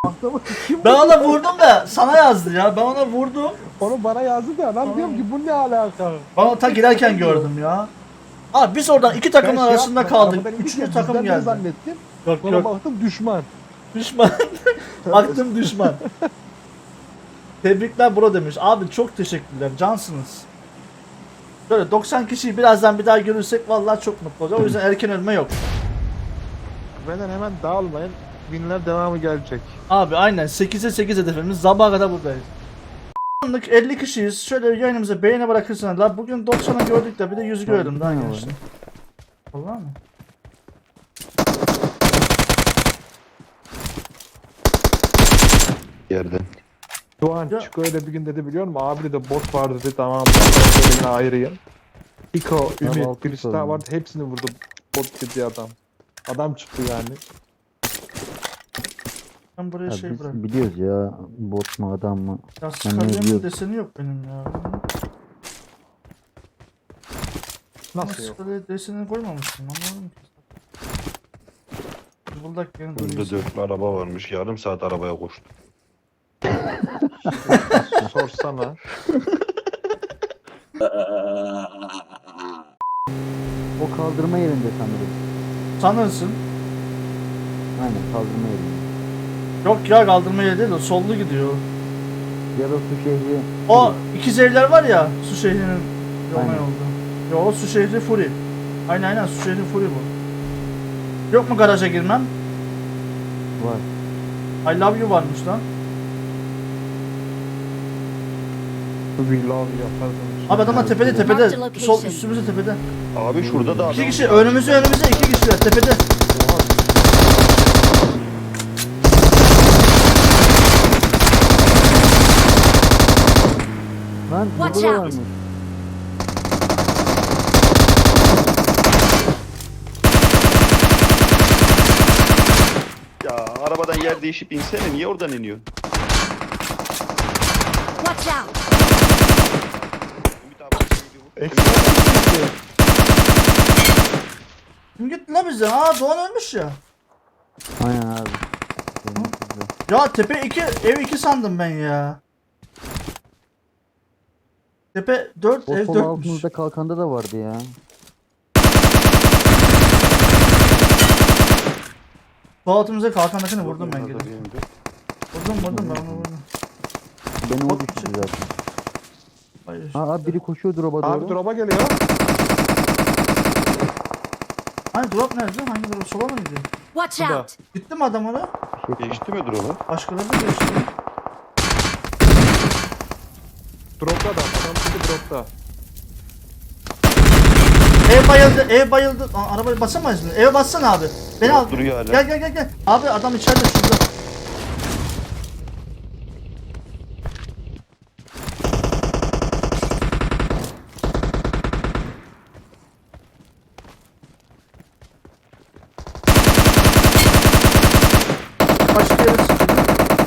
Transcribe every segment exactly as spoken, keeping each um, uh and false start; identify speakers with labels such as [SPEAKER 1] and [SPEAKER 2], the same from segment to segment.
[SPEAKER 1] Aklımı kim
[SPEAKER 2] Ben ona vurdum da sana yazdı ya. Ben ona vurdum.
[SPEAKER 1] Onu bana yazdı da lan diyorum ki bu ne alaka?
[SPEAKER 2] Ben onu ta girerken gördüm ya. Abi biz oradan iki takımın
[SPEAKER 1] Ben şey
[SPEAKER 2] arasında
[SPEAKER 1] yaptım,
[SPEAKER 2] kaldık.
[SPEAKER 1] arabadan
[SPEAKER 2] Üçüncü
[SPEAKER 1] inirken
[SPEAKER 2] takım
[SPEAKER 1] bizden biri
[SPEAKER 2] geldi.
[SPEAKER 1] zannettim.
[SPEAKER 2] Yok
[SPEAKER 1] Sonra
[SPEAKER 2] yok.
[SPEAKER 1] baktım düşman.
[SPEAKER 2] Düşman. Baktım düşman. Tebrikler bro demiş. Abi çok teşekkürler. Cansınız. Böyle doksan kişiyi birazdan bir daha görürsek vallahi çok mutlu olacağım. O yüzden erken ölme yok.
[SPEAKER 1] Benden hemen dağılmayın. Binler devamı gelecek.
[SPEAKER 2] Abi aynen sekize sekiz hedefimiz. Sabaha kadar buradayız. Anlık elli kişiyiz. Şöyle yayınımıza beğeni bırakırsanız. La bugün doksanı gördük de bir de yüz gördüm daha gençler. Vallahi mı?
[SPEAKER 3] Yerden.
[SPEAKER 1] Doğan
[SPEAKER 2] Ya-
[SPEAKER 1] Çiko öyle bir gün dedi biliyor musun? Abi de bot vardı dedi tamam. Ben yine ayırayım. Çiko, Ümit,
[SPEAKER 4] altı
[SPEAKER 1] birisi
[SPEAKER 4] sorun.
[SPEAKER 1] daha vardı. Hepsini vurdu. Bot dedi adam. Adam çıktı yani.
[SPEAKER 2] Ben buraya
[SPEAKER 4] Ya
[SPEAKER 2] şey
[SPEAKER 4] biz
[SPEAKER 2] bırak.
[SPEAKER 4] biliyoruz ya bot mu adam mı?
[SPEAKER 2] Ya
[SPEAKER 4] ne
[SPEAKER 2] Scarlet'in
[SPEAKER 4] diyorsun?
[SPEAKER 2] deseni yok benim ya.
[SPEAKER 1] Nasıl yok?
[SPEAKER 2] Scarlet desenini koymamışsın anlamadım ki. Buldak yeni
[SPEAKER 3] Önde
[SPEAKER 2] duruyor.
[SPEAKER 3] dörtlü araba varmış. Yarım saat arabaya koştum.
[SPEAKER 1] Sorsana.
[SPEAKER 4] O kaldırma yerinde sanırım.
[SPEAKER 2] Sanırsın.
[SPEAKER 4] Aynen kaldırma yerinde.
[SPEAKER 2] Yok ya kaldırma yeri değil o sollu gidiyor.
[SPEAKER 4] Ya da su şehri.
[SPEAKER 2] O ikiz evler var ya su şehrinin yoluna
[SPEAKER 4] Aynen.
[SPEAKER 2] yolda. Yo o su şehri Fury. Aynen aynen su şehri Fury bu. Yok mu garaja girmem?
[SPEAKER 4] Var.
[SPEAKER 2] I love you varmış lan.
[SPEAKER 1] We love yapardım.
[SPEAKER 2] Abi adamlar tepede
[SPEAKER 4] Marked
[SPEAKER 2] tepede.
[SPEAKER 5] location.
[SPEAKER 2] Sol üstümüzde tepede.
[SPEAKER 3] Abi şurada da adam.
[SPEAKER 2] İki kişi önümüzde önümüzde iki kişiler tepede.
[SPEAKER 4] Lan
[SPEAKER 5] Watch
[SPEAKER 4] burada da
[SPEAKER 5] out.
[SPEAKER 4] varmış.
[SPEAKER 3] Ya arabadan yer değişip insene. Niye oradan iniyor?
[SPEAKER 5] Watch out!
[SPEAKER 3] Ümit abi, bir vur.
[SPEAKER 1] Ekstra
[SPEAKER 2] Kim gitti la bizden? Aa Doğan ölmüş ya.
[SPEAKER 4] Aynen abi. Benim kızı.
[SPEAKER 2] Ya tepe iki ev iki sandım ben ya. Tepe dört
[SPEAKER 4] O
[SPEAKER 2] ev
[SPEAKER 4] sol
[SPEAKER 2] dörtmüş.
[SPEAKER 4] altımızda kalkanda da vardı ya.
[SPEAKER 2] Sol altımıza kalkandakini vurdum ben
[SPEAKER 3] Burada
[SPEAKER 2] gene.
[SPEAKER 3] bir indi.
[SPEAKER 2] Vurdum vurdum ben onu vurdum.
[SPEAKER 4] Beni o
[SPEAKER 2] Bot
[SPEAKER 4] düşürdü
[SPEAKER 2] mu
[SPEAKER 4] zaten.
[SPEAKER 2] Hayır.
[SPEAKER 4] Ha abi biri koşuyor drop'a doğru.
[SPEAKER 1] Abi drop'a geliyor.
[SPEAKER 2] Hani drop nerede? Hangi drop? Sola mı gidiyor?
[SPEAKER 5] Watch
[SPEAKER 1] Burada.
[SPEAKER 5] out!
[SPEAKER 2] Gitti mi adam ona?
[SPEAKER 4] Bir şey
[SPEAKER 3] Geçti mi drone'u?
[SPEAKER 2] Başkaları da geçti.
[SPEAKER 1] Drop'ta da. Adam şimdi drop'ta.
[SPEAKER 2] Ev bayıldı, ev bayıldı. Aa, arabayı basamayız mı? Eve bassana abi. Beni al.
[SPEAKER 3] Duruyor hala.
[SPEAKER 2] Gel gel gel gel. Abi adam içeride şurada. Başka yere sıkıyor.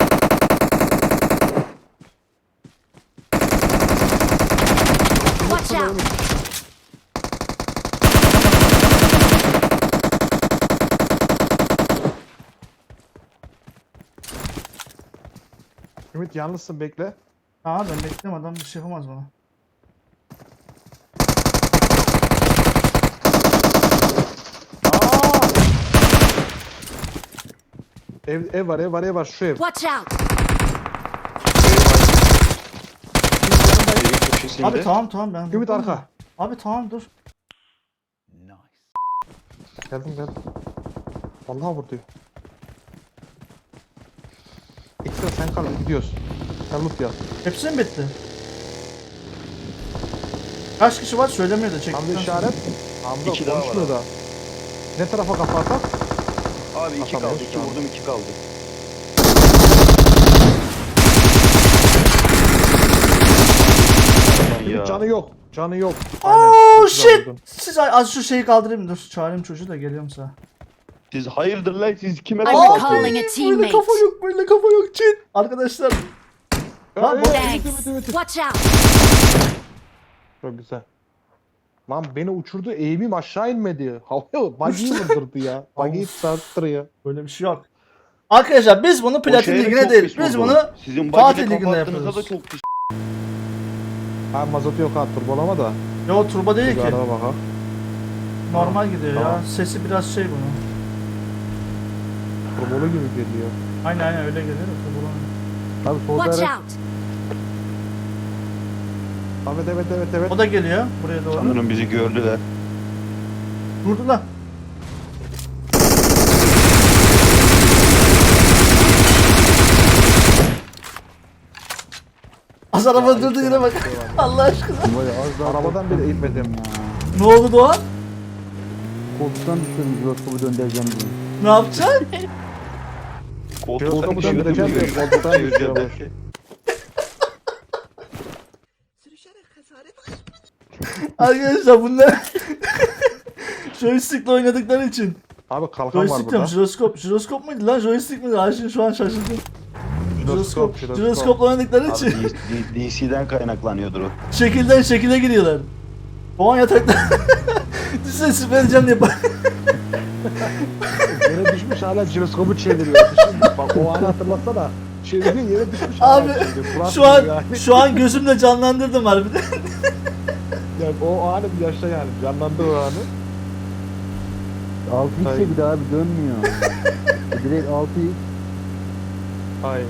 [SPEAKER 5] Watch out!
[SPEAKER 1] Ümit yalnızsın bekle.
[SPEAKER 2] Aa ben bekliyorum adam bir şey yapamaz bana.
[SPEAKER 1] Aa! Ev, ev var ev var ev var şu ev.
[SPEAKER 5] Watch out!
[SPEAKER 3] Şeyin köşesinde.
[SPEAKER 2] Abi tamam tamam ben.
[SPEAKER 1] Ümit arka.
[SPEAKER 2] Abi tamam dur.
[SPEAKER 1] Geldim geldim. Vallahi vurdu. Ekstra sen kal gidiyoruz. Sen loot yap.
[SPEAKER 2] Hepsi mi bitti? Kaç kişi var söylemiyor da
[SPEAKER 1] Hamza
[SPEAKER 2] çektikten
[SPEAKER 1] işaret. Hamza
[SPEAKER 3] İki daha var
[SPEAKER 1] konuşmuyor da. Ne tarafa kafa atak?
[SPEAKER 3] Abi iki kaldı.
[SPEAKER 1] Atamıyoruz
[SPEAKER 3] iki
[SPEAKER 1] şu an.
[SPEAKER 3] vurdum iki kaldı. Aman ya.
[SPEAKER 1] Ümit canı yok. Canı yok.
[SPEAKER 2] Oh
[SPEAKER 1] çok güzel
[SPEAKER 2] shit!
[SPEAKER 1] vurdun.
[SPEAKER 2] Siz az şu şeyi kaldırayım dur. Çağırayım çocuğu da geliyorum sana.
[SPEAKER 3] Siz hayırdır lan siz kime
[SPEAKER 5] I'm
[SPEAKER 3] kafa
[SPEAKER 5] calling a
[SPEAKER 2] Böyle
[SPEAKER 5] teammate.
[SPEAKER 2] kafa yok böyle kafa yok çin. Arkadaşlar. Lan
[SPEAKER 1] Ey,
[SPEAKER 2] bu-
[SPEAKER 1] Ümit,
[SPEAKER 5] Thanks.
[SPEAKER 1] Ümit, Ümit.
[SPEAKER 5] Watch out!
[SPEAKER 1] Çok güzel. Lan beni uçurdu eğimim aşağı inmedi. Havaya buggy'yi vurdurdu ya. Buggy'yi sarttırıyor.
[SPEAKER 2] Böyle bir şey yok. Arkadaşlar biz bunu
[SPEAKER 3] O
[SPEAKER 2] Platin
[SPEAKER 3] şehre
[SPEAKER 2] Ligi'ne
[SPEAKER 3] çok
[SPEAKER 2] değil.
[SPEAKER 3] pis
[SPEAKER 2] Biz
[SPEAKER 3] vurdu.
[SPEAKER 2] bunu
[SPEAKER 3] Sizin
[SPEAKER 2] Fatih
[SPEAKER 3] bagide
[SPEAKER 2] Ligi'nde
[SPEAKER 3] kapattığınızda da
[SPEAKER 2] yapıyoruz.
[SPEAKER 3] çok pis.
[SPEAKER 1] Abi mazot yok ha turbolama da.
[SPEAKER 2] Yo turbo değil
[SPEAKER 1] Bir
[SPEAKER 2] ki.
[SPEAKER 1] araba bak ha.
[SPEAKER 2] Normal gidiyor ya.
[SPEAKER 1] Tamam.
[SPEAKER 2] Sesi biraz şey bunun.
[SPEAKER 1] Turbolu gibi geliyor.
[SPEAKER 2] Aynen aynen öyle geliyor. da turbolu.
[SPEAKER 4] Abi solda
[SPEAKER 5] Watch
[SPEAKER 4] araç.
[SPEAKER 5] out!
[SPEAKER 1] Evet evet evet evet.
[SPEAKER 2] O da geliyor buraya doğru.
[SPEAKER 3] Sanırım bizi gördüler.
[SPEAKER 2] Durdu lan. Az araba durdu yine bak. Allah aşkına.
[SPEAKER 4] Böyle az daha
[SPEAKER 1] Arabadan bile inmedim.
[SPEAKER 2] Ne oldu Doğan?
[SPEAKER 4] Koltuktan düşürdüm jiroskopu döndüreceğim diye.
[SPEAKER 2] Ne yapacaksın?
[SPEAKER 3] Koltuğa
[SPEAKER 1] Koltuğu
[SPEAKER 3] düşürdüm
[SPEAKER 1] döndüreceğim
[SPEAKER 3] diyor.
[SPEAKER 1] diyor, koltuktan
[SPEAKER 3] Çevireceğim
[SPEAKER 1] düşüyormuş.
[SPEAKER 3] derken.
[SPEAKER 2] Arkadaşlar bunlar joystickle oynadıkları için.
[SPEAKER 1] Abi kalkan var
[SPEAKER 2] Joystick
[SPEAKER 1] burada.
[SPEAKER 2] diyorum, jiroskop. Jiroskop muydu lan? Joystick miydi? Ay şimdi şu an şaşırdım. Jiroskop.
[SPEAKER 1] Jiroskop,
[SPEAKER 2] Jiroskopla oynadıkları
[SPEAKER 3] Abi
[SPEAKER 2] için
[SPEAKER 3] D- D C'den kaynaklanıyordur o.
[SPEAKER 2] şekilden şekile giriyorlar. Doğan yatakta. Düşünsene süper edeceğim diye bak.
[SPEAKER 1] Yere düşmüş hala jiroskopu çeviriyor. Düşün, bak o anı hatırlatsana. Çeviriyor yere düşmüş
[SPEAKER 2] Abi
[SPEAKER 1] hala çeviriyor. Fırat
[SPEAKER 2] şu an
[SPEAKER 1] gibi yani.
[SPEAKER 2] şu an gözümle canlandırdım harbiden.
[SPEAKER 1] Yani o anı bir yaşta yani. Canlandı o anı.
[SPEAKER 4] altı
[SPEAKER 1] Ay.
[SPEAKER 4] x'e bir daha abi dönmüyor. Direkt altı x.
[SPEAKER 1] Ay.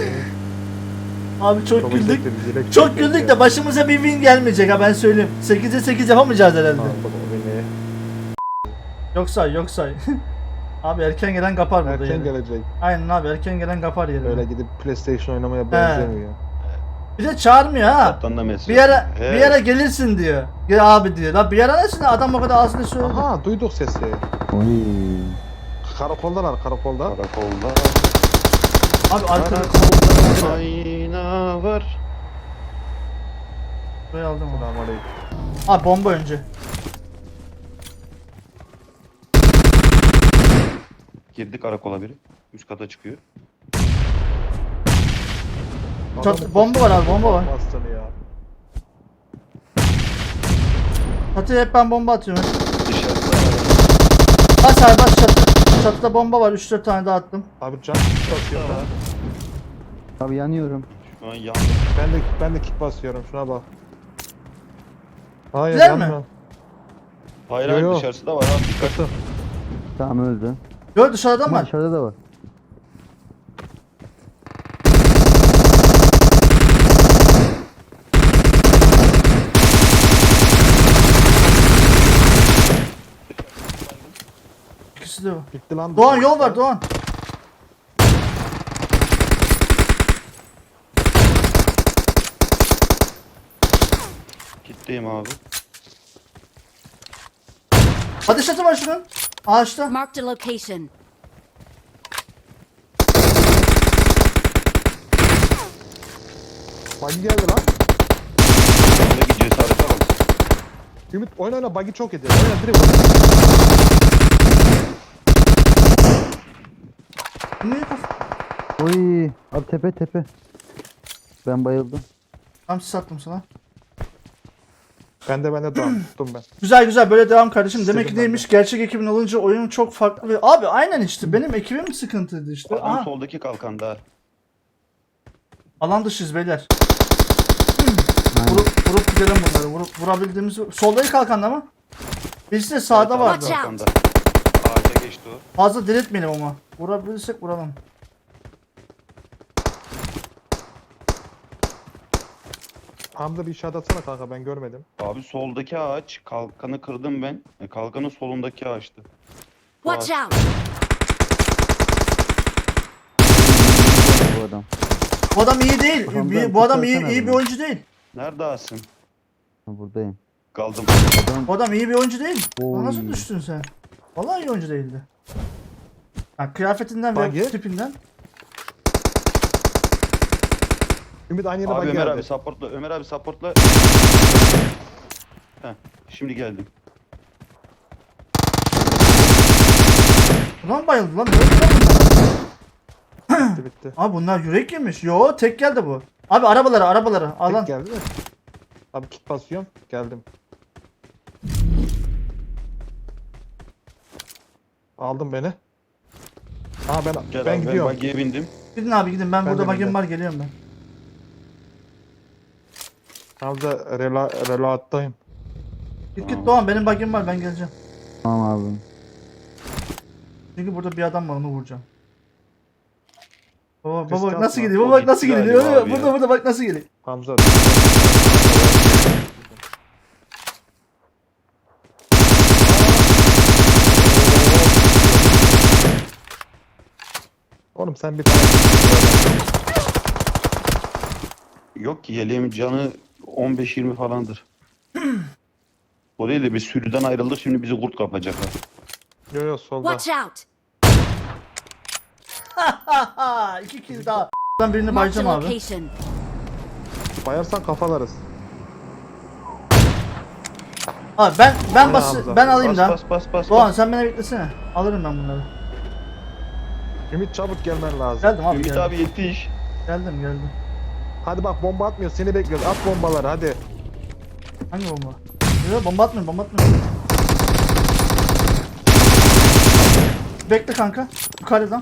[SPEAKER 2] Abi çok güldük.
[SPEAKER 1] izletti bizi, direkt
[SPEAKER 2] Çok
[SPEAKER 1] izletti
[SPEAKER 2] güldük
[SPEAKER 1] ya.
[SPEAKER 2] de başımıza bir win gelmeyecek ha ben söyleyeyim. sekize sekiz yapamayacağız herhalde.
[SPEAKER 1] Aldım o beni.
[SPEAKER 2] Yok say yok say. Abi erken gelen kapar burada
[SPEAKER 1] Erken
[SPEAKER 2] yeri.
[SPEAKER 1] gelecek.
[SPEAKER 2] Aynen abi erken gelen kapar yeri.
[SPEAKER 1] Öyle gidip PlayStation oynamaya benzemiyor.
[SPEAKER 2] Bir de çağırmıyor ha.
[SPEAKER 3] Kaptan da mesaj.
[SPEAKER 2] Bir ara
[SPEAKER 3] He.
[SPEAKER 2] bir ara gelirsin diyor. Gel abi diyor. Lan bir ara nesin adam o kadar ağzını söyledi.
[SPEAKER 1] Aha duyduk sesi.
[SPEAKER 4] Oy.
[SPEAKER 1] Karakoldalar karakolda.
[SPEAKER 3] Karakolda.
[SPEAKER 2] Abi arkada
[SPEAKER 3] Ayna var.
[SPEAKER 2] buraya aldım onu.
[SPEAKER 1] Selamünaleyküm.
[SPEAKER 2] Abi bomba önce.
[SPEAKER 3] Girdi karakola biri. Üst kata çıkıyor.
[SPEAKER 2] Çat-
[SPEAKER 1] Adam-
[SPEAKER 2] bomba var abi, bomba var.
[SPEAKER 1] Bastını ya.
[SPEAKER 2] Çatıya hep ben bomba atıyorum.
[SPEAKER 3] Dışarıda.
[SPEAKER 2] Bas abi bas çatı. Çatıda bomba var. üç dört tane daha attım.
[SPEAKER 1] Abi can basıyor lan.
[SPEAKER 4] Abi yanıyorum.
[SPEAKER 3] Şu an yandı.
[SPEAKER 1] Ben de ben de kick basıyorum şuna bak. Hayır
[SPEAKER 2] Güzel mi?
[SPEAKER 1] yanmıyor.
[SPEAKER 3] Hayır
[SPEAKER 1] Yo,
[SPEAKER 3] hayır
[SPEAKER 1] yo.
[SPEAKER 3] dışarısı da var abi dikkat.
[SPEAKER 1] Kırtım.
[SPEAKER 4] Tamam öldü.
[SPEAKER 2] Gör dışarıda mı
[SPEAKER 4] Ama
[SPEAKER 2] var?
[SPEAKER 4] dışarıda da var.
[SPEAKER 2] İkisi de var.
[SPEAKER 1] Gitti lan.
[SPEAKER 2] Doğan yol var Doğan.
[SPEAKER 3] Kitleyim abi.
[SPEAKER 2] Ateş çatı var şunun. Ağaçta.
[SPEAKER 5] Marked a location.
[SPEAKER 1] Buggy geldi lan.
[SPEAKER 3] Buradaki cesarete bak.
[SPEAKER 1] Ümit oyna oyna buggy çok ediyor. Oyna direkt oyna.
[SPEAKER 2] Niye kaf-
[SPEAKER 4] Oy. Abi tepe tepe. Ben bayıldım.
[SPEAKER 2] Tamam sis attım sana.
[SPEAKER 1] Ben de ben de Doğan tuttum ben.
[SPEAKER 2] Güzel güzel böyle devam kardeşim. Demek ki
[SPEAKER 1] İstedim ben
[SPEAKER 2] neymiş gerçek ekibin olunca oyun çok farklı. ve- Abi aynen işte benim ekibim sıkıntıydı işte.
[SPEAKER 3] Adam
[SPEAKER 2] Aha.
[SPEAKER 3] soldaki kalkanda.
[SPEAKER 2] Alan dışıyız beyler.
[SPEAKER 4] Aynen.
[SPEAKER 2] Vurup, vurup gidelim bunları. Vurup, vurabildiğimiz... Soldaki kalkanda mı? Birisi de sağda
[SPEAKER 3] Evet,
[SPEAKER 2] vardı.
[SPEAKER 5] Watch
[SPEAKER 3] kalkanda. Ağaca geçti o.
[SPEAKER 2] Fazla diretmeyelim ama. Vurabilirsek vuralım.
[SPEAKER 1] Hamza bir işaret atsana kanka ben görmedim.
[SPEAKER 3] Abi soldaki ağaç kalkanı kırdım ben. E, Kalkanın solundaki ağaçtı.
[SPEAKER 5] Watch out!
[SPEAKER 4] Bu adam.
[SPEAKER 2] Bu adam iyi değil.
[SPEAKER 4] Hamza,
[SPEAKER 2] Bir- bu adam iyi,
[SPEAKER 4] tutsana
[SPEAKER 2] iyi bir
[SPEAKER 4] beni.
[SPEAKER 2] oyuncu değil.
[SPEAKER 3] Nerede Asım?
[SPEAKER 4] Ha, buradayım.
[SPEAKER 3] Kaldım.
[SPEAKER 4] Adam
[SPEAKER 2] Bu adam iyi bir oyuncu değil.
[SPEAKER 4] Oy.
[SPEAKER 2] Nasıl düştün sen? Vallahi iyi oyuncu değildi. Ha, kıyafetinden ve
[SPEAKER 1] Bagi.
[SPEAKER 2] tipinden.
[SPEAKER 1] Ümit aynı yere
[SPEAKER 3] Abi
[SPEAKER 1] buggy
[SPEAKER 3] Ömer
[SPEAKER 1] geldi.
[SPEAKER 3] abi supportla. Ömer abi supportla. Heh, şimdi geldim.
[SPEAKER 2] Ulan bayıldı lan. Ne oldu lan bunlar?
[SPEAKER 1] Bitti bitti.
[SPEAKER 2] Abi bunlar yürek yemiş. Yo tek geldi bu. Abi arabaları arabaları. Alan.
[SPEAKER 1] Tek geldi mi? Abi kit basıyorum. Geldim. Aldım beni. Ha ben
[SPEAKER 3] Gel
[SPEAKER 1] ben
[SPEAKER 3] abi,
[SPEAKER 1] gidiyorum.
[SPEAKER 3] Ben buggy'ye bindim.
[SPEAKER 2] Gidin abi gidin, ben,
[SPEAKER 1] Ben
[SPEAKER 2] burada
[SPEAKER 1] de
[SPEAKER 2] bagim
[SPEAKER 1] bindim.
[SPEAKER 2] var, geliyorum ben.
[SPEAKER 1] Hamza rela relattayım.
[SPEAKER 2] Git
[SPEAKER 3] Tamam.
[SPEAKER 2] git Doğan, benim bagim var, ben geleceğim.
[SPEAKER 4] Tamam abi.
[SPEAKER 2] Çünkü burada bir adam var, onu vuracağım. Baba
[SPEAKER 1] Risk
[SPEAKER 2] baba bak
[SPEAKER 1] atma.
[SPEAKER 2] nasıl gidiyor,
[SPEAKER 3] O
[SPEAKER 2] baba bak nasıl
[SPEAKER 3] gitti
[SPEAKER 2] gidiyor.
[SPEAKER 3] galiba abi
[SPEAKER 2] Burada
[SPEAKER 3] ya.
[SPEAKER 2] burada bak nasıl gidiyor.
[SPEAKER 1] Hamza. Oğlum sen bir tane
[SPEAKER 3] Yok ki yeleğimin canı on beş yirmi falandır. O değil de bir sürüden ayrıldık, şimdi bizi kurt kapacak ha.
[SPEAKER 1] yo yo solda.
[SPEAKER 5] Watch out!
[SPEAKER 2] Haha, iki kill daha. Ben birini
[SPEAKER 5] Marked a
[SPEAKER 2] bayacağım abi.
[SPEAKER 5] location.
[SPEAKER 1] Bayarsan kafalarız.
[SPEAKER 2] Abi ben ben
[SPEAKER 1] Aynen
[SPEAKER 2] bas
[SPEAKER 1] Hamza.
[SPEAKER 2] ben alayım
[SPEAKER 3] Bas
[SPEAKER 2] da.
[SPEAKER 3] bas bas bas.
[SPEAKER 2] Doğan
[SPEAKER 3] bas.
[SPEAKER 2] sen beni beklesene. Alırım ben bunları.
[SPEAKER 1] Ümit çabuk gelmen lazım.
[SPEAKER 2] Geldim abi
[SPEAKER 3] Ümit
[SPEAKER 2] geldim.
[SPEAKER 3] abi yetiş.
[SPEAKER 2] Geldim geldim.
[SPEAKER 1] Hadi bak bomba atmıyor seni bekliyoruz. At bombaları hadi.
[SPEAKER 2] Hangi bomba? Yok bomba atmıyorum, bomba atmıyorum. Bekle kanka. Yukarıdan.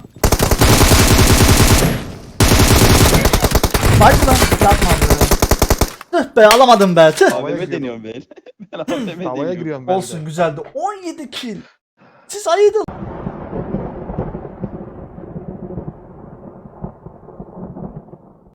[SPEAKER 2] Baydı lan. Yapma abi. Tüh be, alamadım be. Tüh.
[SPEAKER 3] A V M
[SPEAKER 1] giriyorum.
[SPEAKER 3] deniyorum ben. Ben A V M
[SPEAKER 1] Havaya
[SPEAKER 3] deniyorum.
[SPEAKER 1] giriyorum ben de.
[SPEAKER 2] Olsun, güzeldi. on yedi kill. Siz ayıdın